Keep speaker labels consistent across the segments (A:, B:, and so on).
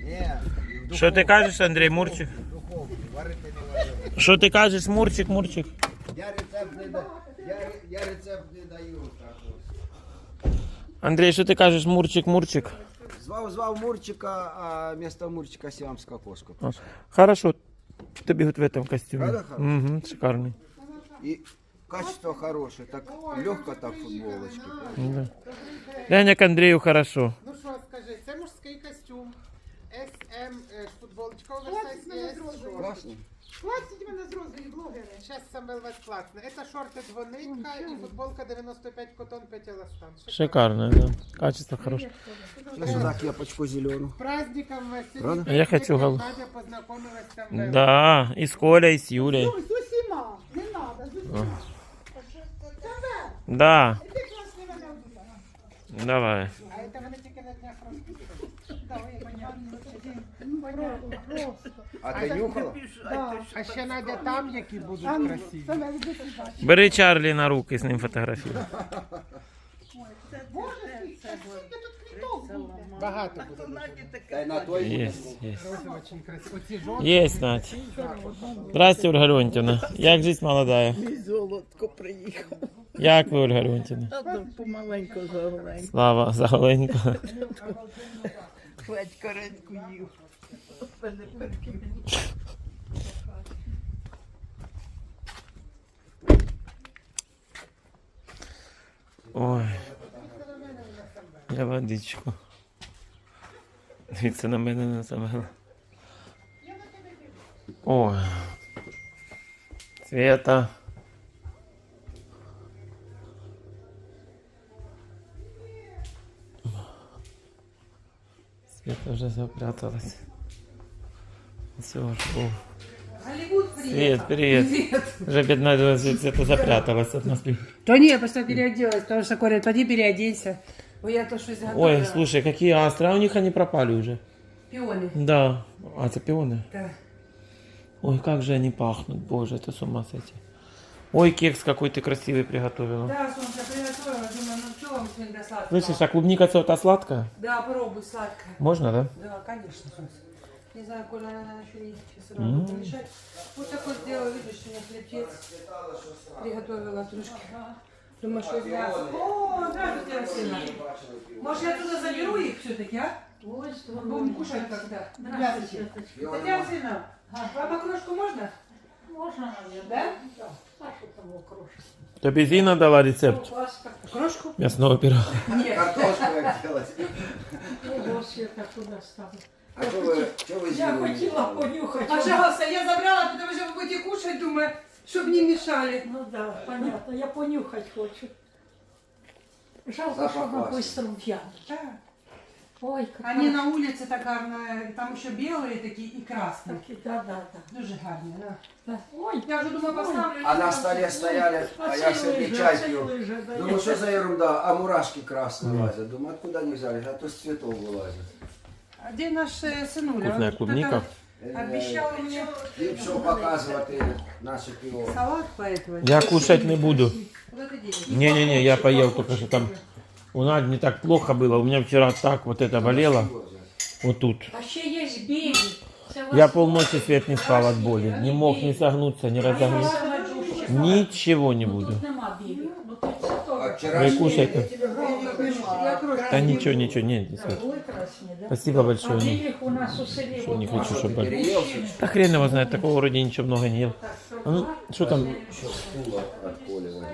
A: Що ти кажеш, Андрій, Мурчик? Що ти кажеш, Мурчик, Мурчик?
B: Я рецепт не даю.
A: Андрій, що ти кажеш, Мурчик, Мурчик?
B: Звав Мурчика, а вместо Мурчика сиамская кошка.
A: Хорошо, тобі вот в этом костюме.
B: Правда хорошо?
A: Угу, шикарный.
B: И качество хорошее, так легко так футболочки.
A: Да. Глянь, к Андрею хорошо.
C: Ну що, скажи, це мужський костюм. SM, футболочка оверсайз є.
B: Классно.
C: Платять мене з розові блогери. Зараз саме безплатно. Це шорти двонитка і футболка 95 котон 5 еластан.
A: Шикарно, да. Качество хорошее.
B: Сюда кепочку зеленую.
C: З праздником вас.
B: Правда?
A: Я хочу
C: Надя познайомилась там.
A: Да, и с Колей, и с Юлей.
D: З усіма, не треба, з усіма.
A: Да,
D: Ти класний мене вділа.
A: давай.
C: А це вони тільки на днях розпитували.
B: А ты нюхала?
C: А ще Надя там, які будуть
D: А ну,
C: красиві.
D: це навіть ти бачиш.
A: Бери Чарлі на руки, з ним фотографіруй.
D: Боже, скільки тут квіток буде.
C: Багато буде.
B: Дай на той.
A: Есть, есть.
C: Очень красиво. Оці жовті.
A: Есть, Надь. Здрасте, Ольга Леонтьевна. Як жизнь молодая?
E: Золотко приїхав.
A: Як ви, Ольга Леонтьевна?
E: Помаленько заголенько.
A: Слава, заголенько.
E: Хвать каретку їв.
A: Ой. Я водичку. Дивіться на мене на себе. Ой. Света. Света уже запряталась. Все, жду. Свет, привет. Уже бедная Света запряталась от нас.
F: То не, я просто переоделась, потому что говорят, пойди переоденься. Ой, я то что-то готовила.
A: Ой, слушай, какие астры, а у них они пропали уже.
F: Пионы.
A: Да. А, это пионы?
F: Да.
A: Ой, как же они пахнут, боже, это с ума сойти. Ой, кекс какой ты красивый приготовила.
F: Да, солнце, приготовила, думаю, ну что вам сегодня сладкого?
A: Слышишь, а клубника та сладкая?
F: Да, попробуй сладкое.
A: Можно, да?
F: Да, конечно, солнце. Не знаю, Коля, наверное, еще не сейчас рано помешать. Вот такой сделала, видишь, у меня хлебец. Приготовила трошки. Думаю, что из мяса. О, здравствуйте, Арсена. Может, я туда заберу их все-таки, а? Будем кушать когда. Здравствуйте. Татьяна Арсена, вам окрошку можно?
D: Можна,
F: Да?
D: Сашу того крошку.
A: Тебе Зина дала рецепт
F: Окрошку?
A: мясного пирога.
F: Нет.
B: Картошку как делать.
D: Ого, Света туди ставить.
B: А что вы
D: Я
B: сделали?
D: хотіла понюхати.
F: Пожалуйста, я забрала, потому что вы будете кушать, думаю, чтобы не мешали.
D: Ну да, понятно, я понюхати хочу. Жалко,
B: Запах
D: що вона
B: класний.
D: швидко в'яне.
F: Да.
D: Ой, як
F: Они на улице так гарно, там еще белые такие и красные.
D: такі, да.
F: Дуже гарні, да.
D: Да. Ой,
F: Я уже думаю, поставлю.
B: А на столе стояли, а я себе чай пью.
D: да.
B: Думаю, что за ерунда? А мурашки красные лазят. Думаю, откуда они взялись? А то с цветов вылазят.
F: А где наш сынуля?
A: Вкусная
F: Он
A: клубника.
F: это Обещал мне
B: Ліпше показувати наше пиво.
F: салат, поэтому.
A: Я кушать не буду.
F: Вот это денег.
A: Не-не-не, я поел только что там. У Нади не так плохо было. У меня вчера так вот это болело. Вот тут.
D: А ще є білі. Це
A: Я полночи свет не спал от боли. Не мог не согнуться, не разогнуться. Ничего не буду.
D: Тут нема білих. Ну тут це
B: А
D: теж.
B: вчера
A: Вы кушайте.
F: Я крошку.
A: Да ничего, ничего, нет, не свет.
D: Були красні, да?
A: Спасибо
D: А
A: большое.
D: білих у нас у селі.
A: Что не
D: от
A: хочу, чтобы болели.
B: переелся,
A: Да хрен его знает, такого вроде ничего много не ел. А ну, что там?
B: стула от Коли возьму.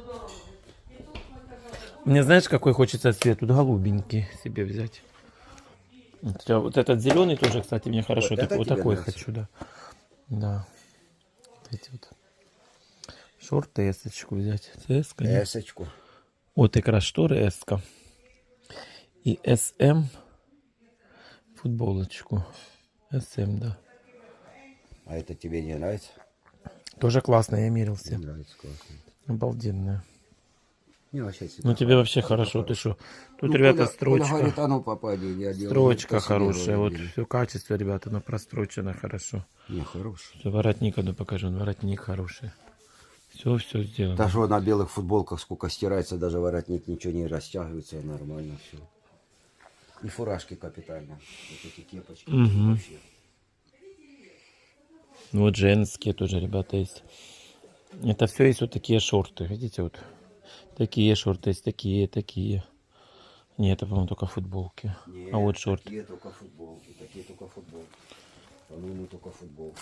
A: Мне знаешь, какой хочется цвет? Тут голубенький себе взять. Вот этот зеленый тоже, кстати, мне хорошо.
B: Вот это
A: Вот
B: тебе
A: такой
B: нравится?
A: хочу, да. Да. Вот эти вот. Шорты эсочку взять. Эска, нет?
B: Эсочку.
A: Вот как раз шторы эска. И СМ футболочку. СМ, да.
B: А это тебе не нравится?
A: Тоже классно, я мерил все.
B: Не нравится, классно.
A: Обалденная.
B: Не, вообще себе.
A: Ну тебе вообще хорошо, ты что? Тут,
B: Ну,
A: ребята,
B: Коля
A: строчка.
B: говорит, а ну попади, я делаю.
A: Строчка
B: по себе
A: хорошая. Вот
B: говорю.
A: все качество, ребята, но прострочено хорошо.
B: Не, хороший.
A: Все, воротник, ну покажу, воротник хороший. Все сделано.
B: Даже вот на белых футболках сколько стирается, даже воротник ничего не растягивается, нормально все. И фуражки капитально. Вот эти кепочки.
A: Мгм.
B: Вообще.
A: Ну, вот женские тоже, ребята, есть. Это все есть вот такие шорты. Видите, вот такие шорты есть, такие. Нет, это, по-моему, только футболки.
B: Нет,
A: А вот шорты.
B: такие только футболки. Такие только футболки. По-моему, только футболки.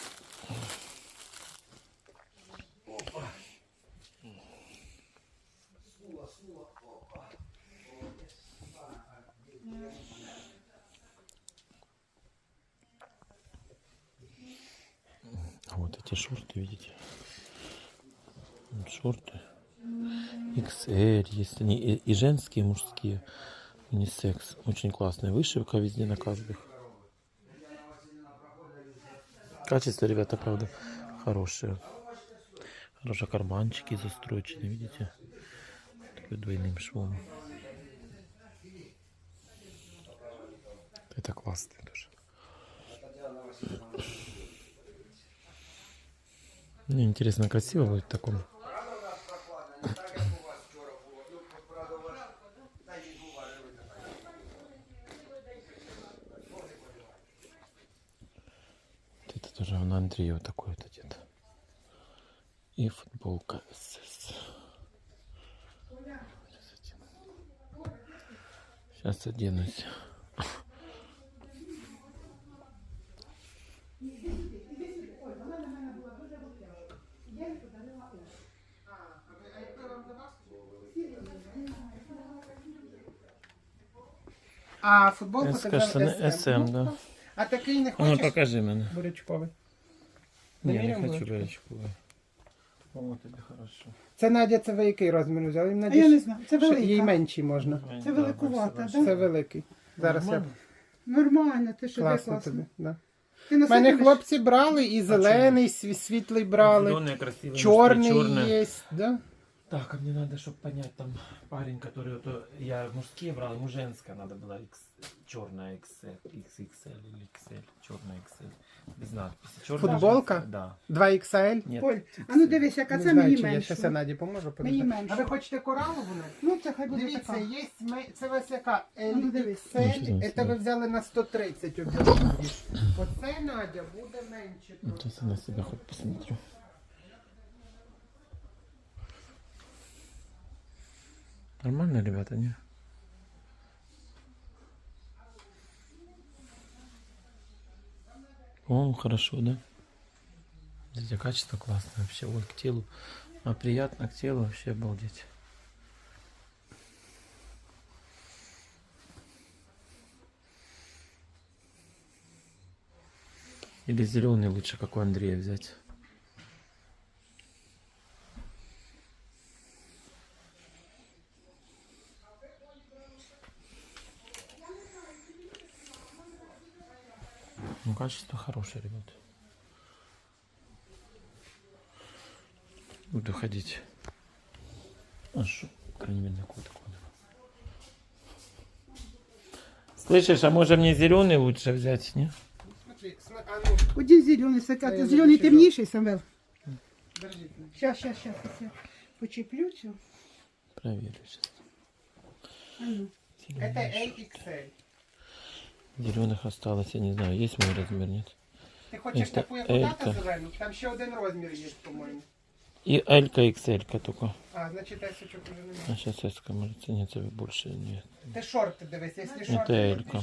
A: А вот эти шорты, видите? Вот шорты. XL есть они и женские, и мужские. Унисекс. Очень классная вышивка везде на каждых. Качество, ребята, правда, хорошее. Хорошие карманчики застрочены, видите? Такой двойным швом. Это классно тоже. Мне интересно, красиво будет в таком. Это тоже на Андрея вот такой вот одет. И футболка СС. Сейчас оденусь.
C: А футболку ти
A: Скажи,
C: взяв
A: не СМ, да.
C: А такий не
A: Ну,
C: хочеш?
A: покажи мене.
C: Бурячковий.
A: Ні, не
C: Приміряємо
A: хочу
C: бурячку?
A: беречку. О, тобі хорошо.
C: Це Надя, це ви який розмір взяли? Їм,
E: А
C: Надя,
E: я не знаю, це
C: що
E: велика.
C: їй менші можна.
E: Це великувата,
C: Це
E: да?
C: великий. Зараз я
A: Нормально?
E: Нормально, ти що де
C: класно
E: класно.
C: тобі. Да.
E: Ти
C: У мене
E: носитимеш?
C: хлопці брали і зелений, світлий брали,
A: Зеленые красивые.
C: чорний
A: черные.
C: є. Да?
A: Так, а мне надо, чтобы понять, там парень, который вот, я мужские брал, ему женская надо было черная XXL или XL, черная XL, без надписи. Черная
C: Футболка?
A: женская, да.
C: 2XL.
A: Нет,
E: Поль, а ну дивись, яка
C: Не
E: це
C: знаю,
E: мені
C: чи я
E: менше.
C: зараз я Наді поможу.
E: Мені
C: подожди.
E: менше.
C: А ви хочете коралову? Надя?
E: Ну, це хай буде
C: Дивіться,
E: така.
C: є це ось яка
E: Ну, дивись.
A: Ну, що
C: LXL,
A: за
C: це ви
A: це?
C: взяли на 130 об'єктивів. Оце, Надя, буде менше.
A: вот сейчас я на себя хоть посмотрю. Нормально, ребята, не? По-моему, хорошо, да? Видите, качество классное вообще. Ой, к телу. А приятно к телу вообще обалдеть. Или зеленый лучше, как у Андрея взять. Ну, качество хорошее, ребят. Буду ходить. А что, крайне мере, такого. Слышишь, а может мне зеленый лучше взять, не?
C: Смотри, а ну,
E: Один зелений,
C: Та я
E: зелений
C: не
E: темніший, Самвел.
C: держіть.
E: Щас, я почеплю цю.
A: Проверю сейчас.
E: А ну.
C: Это LXL.
A: Зеленых осталось, я не знаю, есть мой размер, нет.
C: Ти хочеш
A: Це
C: таку, як у тата
A: L-ка.
C: зелену? Там ще один розмір є, по-моєму.
A: И L-ка, XL-ка только.
C: А, значить, есочок уже немає.
A: А сейчас S-ка может цениться больше, нет.
C: Ти шорти дивись, якщо
A: Это
C: шорти.
A: L-ка.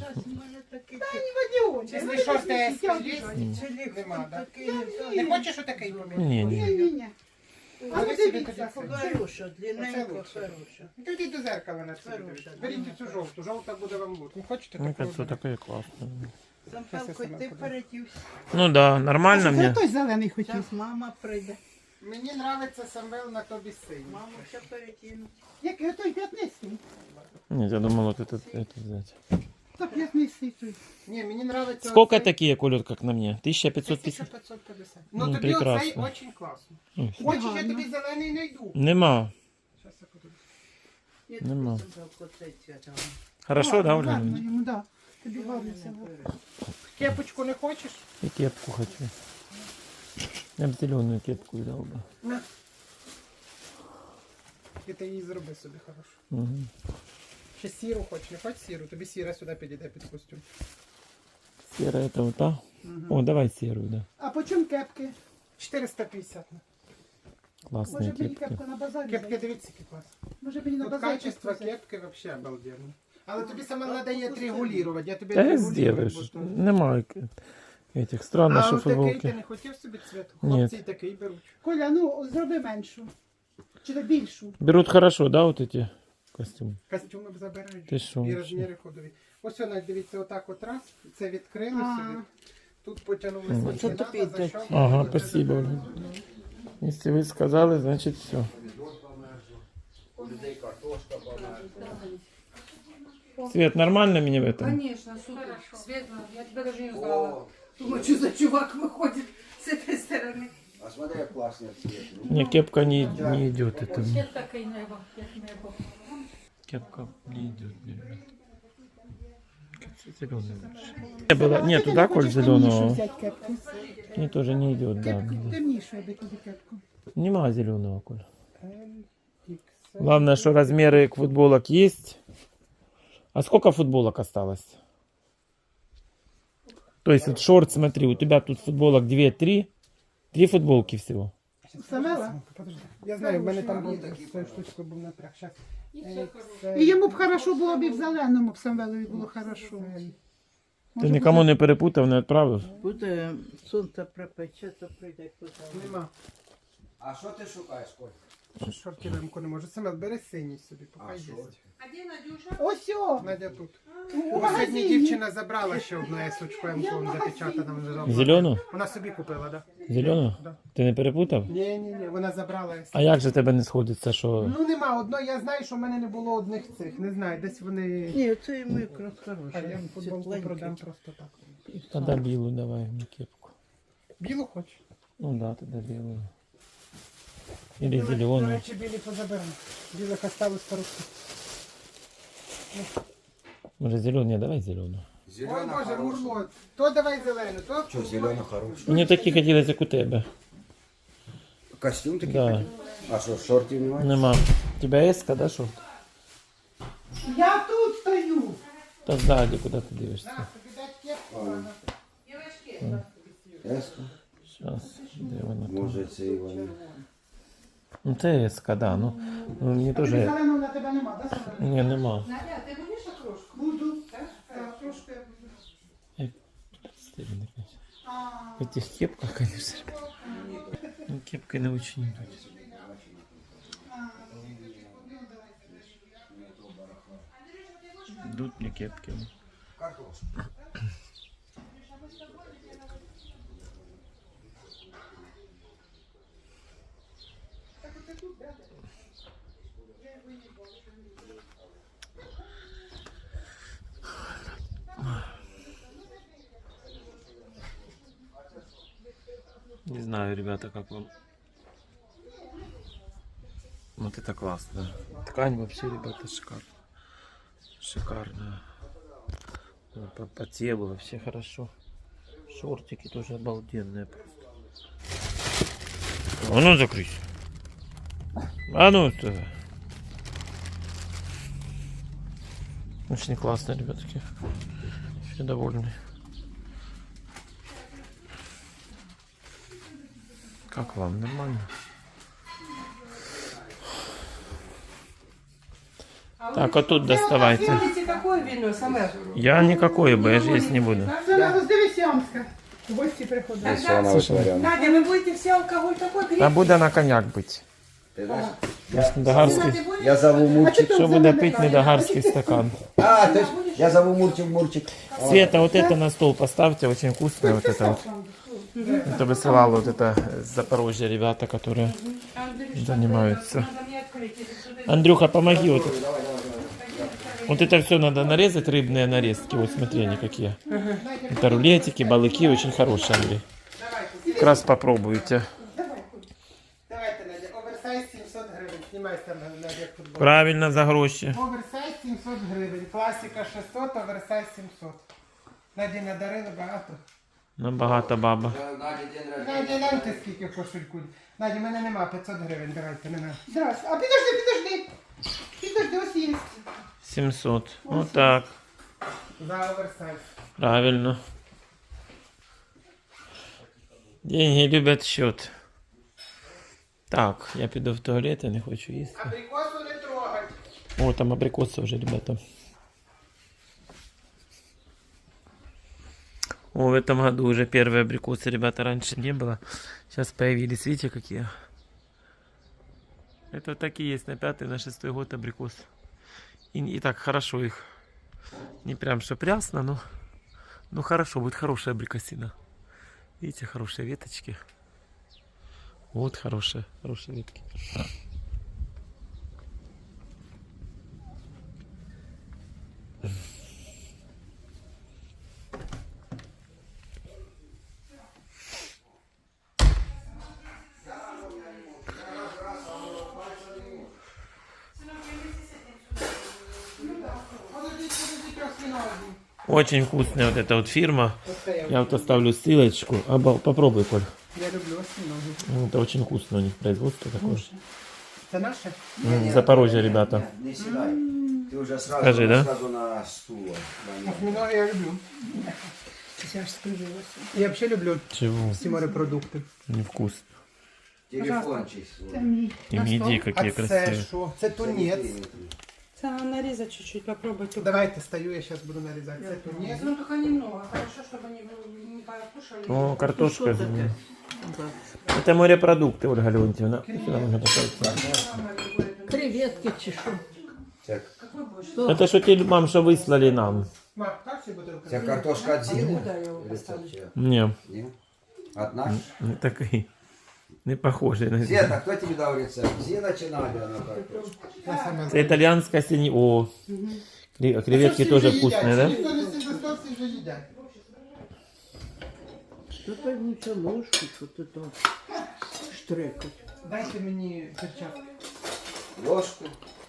C: Якщо шорти S є, нема, да? Не хочеш отакий поміняти?
A: Не, не.
E: Ні-ні. А ну
C: Бери собі
E: дивіться.
C: тоді це.
G: Хороша,
C: Оце
G: длинненько
C: лучше.
G: хороша.
C: Ну, йдіть до зеркала на це.
G: Хороша.
C: Беріть цю жовту, жовта буде вам лучше. Не хочете
A: Мне
C: таку?
A: кажется, такая классная.
G: Сампелко, ти передівся.
A: Ну да, нормально
E: Це
A: мне.
E: той зелений хотів.
G: Зараз мама прийде.
C: Мені подобається Самвел на тобі синій.
G: Маму ще перекину.
E: Як той п'ятнистий?
A: Нет, я думал вот это взять.
E: То п'ятнистий той.
C: Ні, мені подобається
A: Сколько такие колют, как на мне? 1550?
C: 1550.
A: Ну,
C: Ну, тобі оцей
A: прекрасно.
C: дуже класно.
A: Ой,
C: Хочеш, я
E: Гарно.
C: тобі зелений знайду.
A: Нема.
C: Щас я подивлюсь.
G: Ні,
A: Нема.
G: Сампелко, цей цвіт.
A: Хорошо, да,
E: Гарно
A: Ольга?
E: йому, да. Тобі гарно це.
C: Кепочку не хочеш?
A: И кепку хочу. Я бы зеленую кепку взял бы.
C: І ти її зроби собі хорошо.
A: Угу.
C: Ще сіру хоч, не хоч сіру, тобі сіра сюди підійде під костюм.
A: Серая это вот та? О, давай серую, да.
E: А по чому кепки?
C: 450.
A: Классные
E: Може мені
A: кепки.
E: кепку на базарі
C: Кепки,
E: взяти?
C: дивіться, який клас.
E: Може мені на
C: Тут
E: базарі
C: качество
E: взяти?
C: кепки вообще обалденно. Але тобі саме треба її регулювати, я тобі
A: Да я
C: отрегулюю,
A: сделаешь.
C: бо то-
A: Нема этих странно,
C: А
A: что
C: от такий ти
A: футболки.
C: не хотів собі цвет?
A: Ні.
C: Хлопці і такий беруть.
E: Коля, ну зроби меншу. Чи то більшу.
A: Берут хорошо, да, вот эти костюмы?
C: Костюми б забирають.
A: Ти що,
C: І
A: вообще?
C: розміри ходові. Ось вона, дивіться, отак от раз, це відкрили
E: А.
C: собі. Тут потягнули
A: Мгм.
C: скільки
G: Це
C: надо,
G: тобі йде.
C: защелкнули.
A: Ага, спасибо. Оля. Если вы сказали, значит все.
B: У людей картошка померзла.
A: Свет, нормально мне в этом?
F: Конечно, супер. Светло, я тебя даже не знала.
B: О,
F: Думаю, что за чувак выходит с этой стороны.
B: а смотри, як класний цвет.
A: Мне кепка не идет. Это мне.
D: Світ такий небо, як небо.
A: Кепка не идет, ребят. Зеленый лучше. Не было, нет, туда коль зеленого.
E: Взять кепку.
A: Мне тоже не идет, да.
E: Кепку темнішу, аби тобі кепку.
A: Нема зеленого, Коль.
C: XL.
A: Главное, что размеры футболок есть. А сколько футболок осталось? То есть вот шорт, смотри, у тебя тут футболок 2-3. 3 футболки всего.
E: Самела?
C: Подожди. Я знаю, в мене там був з цією штучкою був напряг. Щас.
E: І йому б хорошо було б і в зеленому б Самвелові було хорошо.
A: Ты никому не перепутав, не відправив?
G: Буде сонце припече, то прийде куди.
C: Нема.
B: А що ти шукаєш, Коль?
C: Шортівку не можу. Семен, бери синій собі,
B: А,
C: поки є.
B: шорт.
F: А где Надюша?
E: Ось о!
C: Надя тут.
E: У
C: Бо сьогодні
E: магазині.
C: дівчина забрала ще одну есочку МК запечатана. лежала.
A: Зелену?
C: Вона собі купила, так?
A: Зелену?
C: Да.
A: Ти не перепутав?
C: Ні, вона забрала есочку.
A: А як же тебе не сходиться, що...
C: Ну нема одної, я знаю, що в мене не було одних цих. Не знаю, десь вони.
G: Ні, це микро
C: А
G: хороший.
C: я футболку продам просто так.
A: Тогда білу давай, мені кепку.
C: Білу хоч.
A: Ну да, тогда білу. Или
C: До
A: зелену.
C: речі, білі позаберемо. Білих осталось пару штук.
A: Може зелену? Давай зелену.
C: Ой,
B: Зелена
C: Боже,
B: хороша.
C: Мурло. То давай зелену, то.
B: Що, зелена хороша?
A: Мені такі хотілося, як у тебе.
B: Костюм такий?
A: Да.
B: хотів? А що, шортів немає?
A: Нема. У тебе еска, да, шорт?
E: Я тут стою.
A: Та ззаді, куди ти дивишся?
C: Тобі дать кепку.
B: Еска?
A: Щас, де вона там?
B: Може, це і вони.
A: Ну це еска, да. Ну мені теж...
E: Зеленого на тебе нема, так? Самвел?
A: Ні, нема.
F: Надя, ты будешь окрошку?
E: Буду. Так, трошки я буду.
A: Стильно, конечно.
E: А,
A: В этих кепках, конечно. Ну, кепкой не очень идут. Идут мне кепки.
B: Картошка.
A: Не знаю, ребята, как вам. Вот это классно. Ткань вообще, ребята, шикарная. Шикарная. По телу вообще хорошо. Шортики тоже обалденные просто. А ну закрыть. А ну что? Очень классно, ребятки. Все довольны. Как вам? Нормально? Так, а тут доставайте.
F: Смотрите, какое вино, Самвел.
A: Я никакой бы, я же есть не буду.
E: Самвел, здивись Ямська. В гості приходить.
B: Ось вона витворяла.
F: Надя, вы будете все алкоголь такой
A: Та
F: греть?
A: буде на коньяк бить.
B: Ти знаєш?
A: Недогарський.
F: Ты будешь?
B: Я зову Мурчик.
A: Що буде пить недогарський стакан?
B: А, то есть я зову Мурчик.
A: Света, вот это на стол поставьте, очень вкусное вот это вот. Это высылало вот это с Запорожья ребята, которые занимаются.
F: Надо мне открыть, если кто-то-
A: Андрюха, помоги вот. Вот это все надо нарезать, рыбные нарезки. Вот смотри, они какие. Это рулетики, балыки, очень хорошие, Андрей. Как раз попробуйте.
C: Давайте, Надя, оверсайз 700 гривень. Знімайся на футбол.
A: Правильно, за гроші.
C: Оверсайз 700 гривень. Класика 600, оверсайз 700. Наді надарили багато.
A: Ну, багата баба.
B: Наді день рождения.
C: Наді, гляньте скільки кошельку. Наді, в мене нема 500 гривень, давайте, не надо.
E: Здрасте. А підожди, ось є.
A: 700. Вот так.
C: За оверсайз.
A: Правильно. Деньги любят счет. Так, я піду в туалет, я не хочу їсти.
C: Абрикосу не трогать.
A: О, там абрикосы уже, ребята. О, в этом году уже первые абрикосы, ребята, раньше не было. Сейчас появились, видите, какие. Это такие есть на 5-й, на 6-й год абрикос. И так хорошо их. Не прям что прясно, но хорошо, будет хорошая абрикосина. Видите, хорошие веточки. Вот хорошие ветки. Очень вкусная вот эта вот фирма. Я вот оставлю ссылочку. Попробуй, Коль.
C: Я люблю осьминоги.
A: Это очень вкусно у них производство такое.
C: Це наше?
A: Запорожье, ребята.
B: Не сідай. Ти вже сразу,
A: Скажи, да?
B: сразу на стул.
C: Осьминоги я люблю.
D: Я ж скривилася.
C: Я взагалі люблю
A: Чего?
C: всі морепродукти.
A: Невкусно.
B: Телефон чийсь.
A: И миди
C: А
A: какие
C: це
A: красивые.
C: що? Це тунець.
F: Це нарезать чуть-чуть, попробуйте.
C: Давайте стою, я зараз буду нарізати. Це тунець.
F: Ну, только немного. Хорошо, чтобы они не покушали.
A: О, картошка.
G: Що таке?
A: Это морепродукты, Ольга Леонтьевна. Сюда можно поставить.
D: Креветки чи що?
B: Це,
A: Это что те мам, что выслали нам.
C: Ма, так ці бутилка?
B: це картошка від Зіни?
F: Куда я его поставлю?
A: Не,
B: Ні? От нас?
A: не такие. Не похожие на
B: Света, хто тобі дав рецепт? Зіна чи Надя на картошку?
C: Я саме
A: Это итальянская синь. О, креветки тоже вкусные, да?
C: Ніхто не сидить, всі вже їдять.
G: Що поймуться ложку, що ти там штрекать.
C: Дайте мені перчатки.
B: Ложку.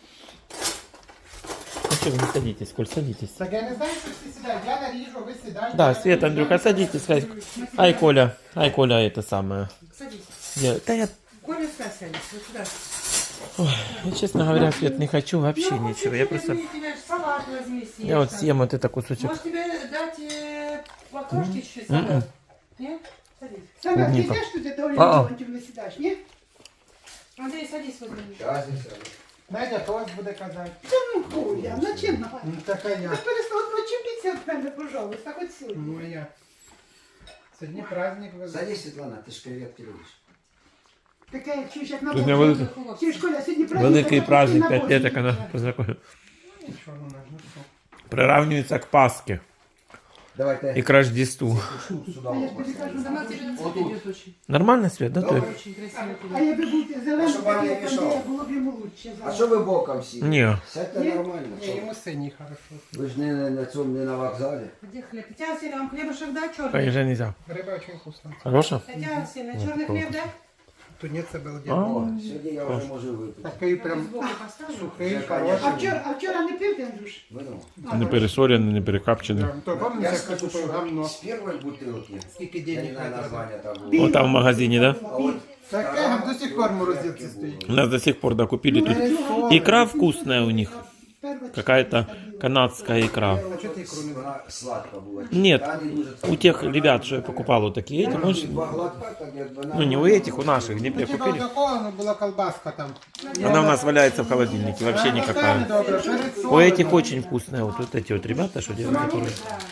A: Ну что, вы не садитесь, Коль, садитесь.
C: Так я не знаю, що всі сідають. Я наріжу, ви сідаєте.
A: Да, Света, Андрюха, садитесь. Ай, Коля, это самое.
F: Садись.
A: Да я,
F: Коля, садись. Вот сюда.
A: ну, честно говоря, Свет, не хочу вообще ничего. Я просто,
F: Тебе салат возьми, съешь.
A: я вот съем вот это кусочек.
F: Может тебе дать лакошки чуть-чуть салат? Нет? Садись.
E: Саме ти
A: Клубника.
E: йдеш туди, до Олі
A: А-а.
E: Леонтівни сідаєш, ні?
F: Андрей, садись возле меня.
B: Щас і все.
C: Надя тост буде казати.
E: Та ну хуя, на чим на
C: Ну така я.
E: перестав відчепіться від мене, пожалуйста, хоч сьогодні.
C: Ну а я. Сьогодні праздник. ви-
B: Садись, Світлана, ти ж креветки любиш.
E: Таке, як чуєш, як на
A: Тут не
E: Бога.
A: великий,
E: Чи ж, Коля, сьогодні праздник,
A: великий
E: так,
A: праздник,
E: на
A: 5
E: Бога.
A: лет, как она познакомилась.
C: Що вона ж, ну що?
A: Приравнивается к Пасхе
B: Давайте.
A: и к Рождеству.
B: Сюди.
E: А я ж тобі кажу,
F: Сама тебе на цвет идет очень.
A: Нормально, Свет, да? Ты?
F: Очень красиво
E: а
F: тебе.
E: я би був зелений,
B: Щоб вам не
E: там,
B: мішало.
E: де було б йому лучше.
B: А що ви боком сіли?
A: Не.
B: Сядьте нормально.
C: Ні, йому синій хорошо.
B: Ви ж не на цьому, не на вокзалі.
F: Где хлеб? Татьяна Васильевна, вам хлебушек да, черный?
A: Поезжай нельзя.
C: Риба дуже вкусна.
A: Хорошо?
F: Татьяна Васильевна, черный хлеб, да?
C: Тунець це був
A: А.
C: дід.
B: О, сьогодні я вже можу випити.
C: Такий прям
F: Сбоку поставлю.
C: сухий,
B: Вже,
C: хороший.
E: А вчора не пив, ти, Андрюш?
B: Вино.
A: Не пересоренный, не перекапченный.
C: То пам'ятаєш,
B: Я
C: як
B: скажу,
C: купив
B: що
C: гамно?
B: з першої бутилки,
C: Скільки
B: я
C: денег
B: не знаю
C: треба.
B: названня там було.
A: Вот там в магазине, да?
B: А от
C: Таке до сих пор морозилці стоїть.
A: У нас до сих пор докупили тут. Икра вкусная у них. Какая-то канадская икра.
C: А чого ти ікру не
B: вона сладка була.
A: Нет,
B: Та не дуже
A: у тех ребят, что я покупал вот такие, эти, можешь?
B: Два глотка, так як вона...
A: Ну не у этих, у наших, не
C: Типа
A: купили.
C: такого, но была колбаска там.
A: Она у нас валяется в холодильнике, вообще
C: Добре,
A: никакая.
C: перед
A: У этих очень вкусная, вот эти вот ребята, что делают, которые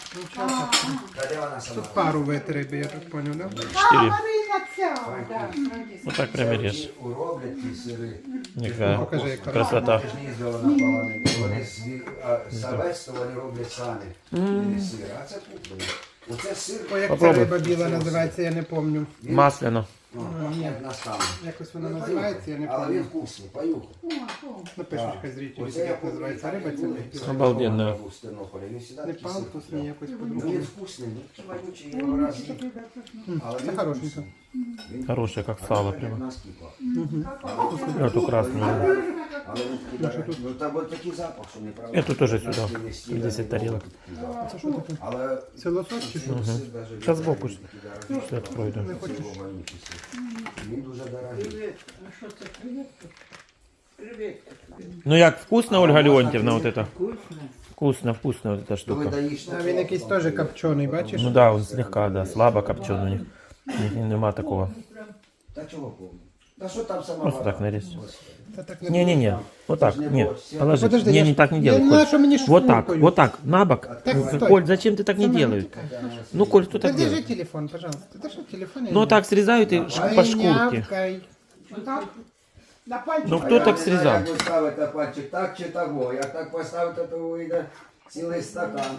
B: Та де вона сама?
C: пару витриби, я так понял, да?
A: 4.
E: Марина ця.
A: Вот так прямо режь.
B: Уроблять ті сири.
A: Никакая
C: Покажи, яка.
A: красота.
B: Ти ж не їздила на полонину. Вони савець, то вони роблять самі. Сир. А це куплено. Оце сир.
C: Ой, як ця
A: Попробуй.
C: риба біла називається, я не пам'ятаю.
A: Масляно.
B: Як на стану.
C: Якось вона називається, я не
B: Але він
C: пам'ятаю.
B: вкусний, понюхай.
C: Напишіть, хай зрителі,
B: Оце я
C: як називається риба, це не
A: Обалденно.
B: В Тернополі. Він сюди
C: Не
B: такий сир
C: палку,
B: купляв.
C: ні, якось
B: Ну,
C: по-другому.
B: він вкусний, ну, вонючий його раз їв. Але
C: Це
B: він
C: хорошенько.
B: вкусний. Він
A: Хорошая, как сало
B: як
A: прямо.
B: на скіпах.
A: Эту красную.
B: Але він такий, ну там от такий запах, що неправда.
A: Эту тоже
B: На
A: сюда.
B: стіні стіни
A: 10 тарелок.
B: такий запах. Але
C: Це лосось чи що?
B: сир даже
A: Сейчас сбоку
B: такий дорогий.
A: все открою. Да.
B: Це його вонючий сир. Він дуже дорогий.
G: А що це креветка? Креветки тебе.
A: Ну як, вкусно, Ольга Леонтьевна, вот это?
G: Вкусно.
A: Вкусно, вкусно вот эта
B: То ви
A: штука.
B: даєш
C: А він якийсь теж копчений, бачиш?
A: Ну да, он слегка, да, слабо копченый у них. У них нема такого.
B: Та чого повно? Та що там сама
A: Просто
B: вода?
A: так нарезь.
B: Господи.
C: Та так не
A: Не-не-не, вот так,
B: не
A: нет,
B: борщ.
A: положи.
C: Подожди, я
A: Не,
C: ж-
A: не так не
C: я
A: делай,
C: не
A: Коль.
C: знаю, что мне
A: Вот так,
C: шкуркою.
A: вот так, на бок.
C: Так, стой.
A: Коль, зачем ты так не делаешь? Ну, Коль, кто так
C: Держи
A: делает?
C: телефон, пожалуйста. Держи телефон.
A: Ну, так срезают и по шкурке.
C: Нявкай.
E: Так. На пальчик.
A: Ну,
B: А
A: кто
B: я
A: так
B: не знаю,
A: срезал?
B: Як ви ставите пальчик, так чи того. Як так поставите, то вийде цілий стакан.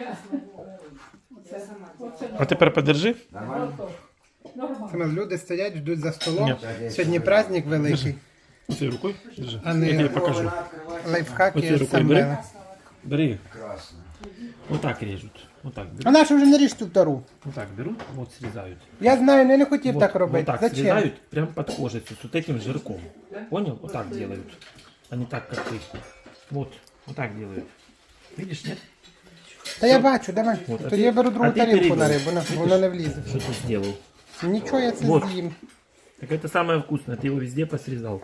A: А тепер подержи.
B: Нормально?
C: Саме люди стоять, ждуть за столом.
A: Ні.
C: Сьогодні праздник великий.
A: Цією рукою держи.
C: А
A: Я тебе
C: не
A: покажу.
B: Вона відкриває.
C: лайфхаки
A: Оцією
C: з
A: рукою бери.
C: Самвела.
A: Бери.
B: Красно.
A: Вот так режут. Вот так
C: А
A: берут.
C: нашу вже не ріж ту втору.
A: Вот так берут, вот срезают.
C: Я знаю, я не хотів
A: Вот,
C: так
A: вот
C: робити.
A: так
C: Зачем?
A: срезают прям под кожицу с вот этим жирком. Понял? Вот так делают. А не так, как ты. Вот так делают. Видишь, нет?
C: Та я бачу, давай.
A: Вот, а
C: Тоді
A: ти-
C: я беру другу
A: а ти
C: тарілку на
A: перебив.
C: рибу, воно не влізе.
A: Что ты сделал?
C: Нічого я це
A: Вот.
C: з'їм.
A: Так это самое вкусное. Ты его везде посрезал.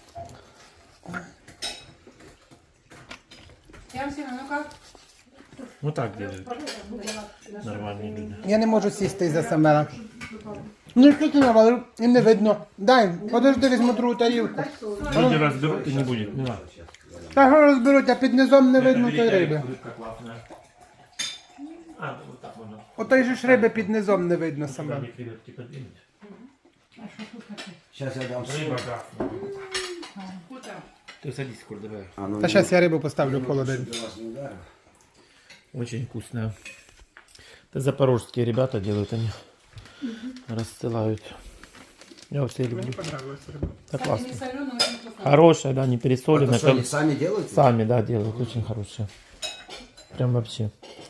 F: Я всем, ну как?
A: Вот так делают. Нормальные люди.
C: Я не можу сісти із-за Самвела. Ну що ти навалив? І не видно. Дай, подожди, візьму другу тарілку.
A: Люди разберут и не будет. Не надо.
C: Та що розберуть, а під низом не видно тої риби.
A: Рыбка классная. А, вот так можно.
C: Отої же ж риби під низом не видно саме.
A: Сами креветки подвинуть.
B: Зараз я дам
A: Рыба
B: соль.
A: красная. Ты садись, Коль, давай.
B: А, ну,
C: Та зараз я рибу поставлю в холодильник.
B: щоб я вас не вдарив.
A: Очень вкусная. Это запорожские ребята делают они. Рассылают. Я все люблю.
C: Понравилась риба.
A: Это
F: Не
A: классно.
F: соленый, очень вкусно.
A: Хорошая, да, не
B: А
A: пересолена.
B: то що, вони самі делають?
A: Сами, да, делают. Очень хорошая. Прям вообще.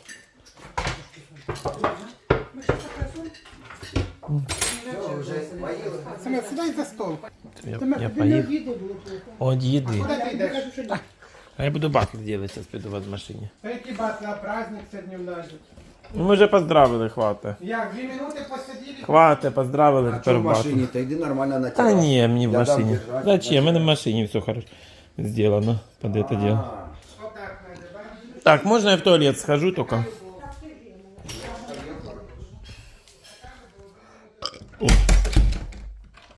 B: Все, вже поїли.
C: Саме, сідай за стол.
A: Я поел. От еды.
C: Куди ти йдеш?
A: А я буду батл делать сейчас, приду в машине.
C: Та які батли, а праздник сьогодні в нас.
A: Ну, мы же поздравили, хватит.
C: Як, 2 минути посиділи?
A: Хватит, поздравили,
B: А
A: теперь
B: що в
A: батл.
B: машині? Та йди нормально на
A: Да
B: терасу.
A: не, мне в
B: Я дам
A: машине.
B: держать,
A: Зачем?
B: значит.
A: В машине все хорошо сделано под это дело.
B: А,
C: Отак надо, бачиш?
A: Так, можно я в туалет схожу только?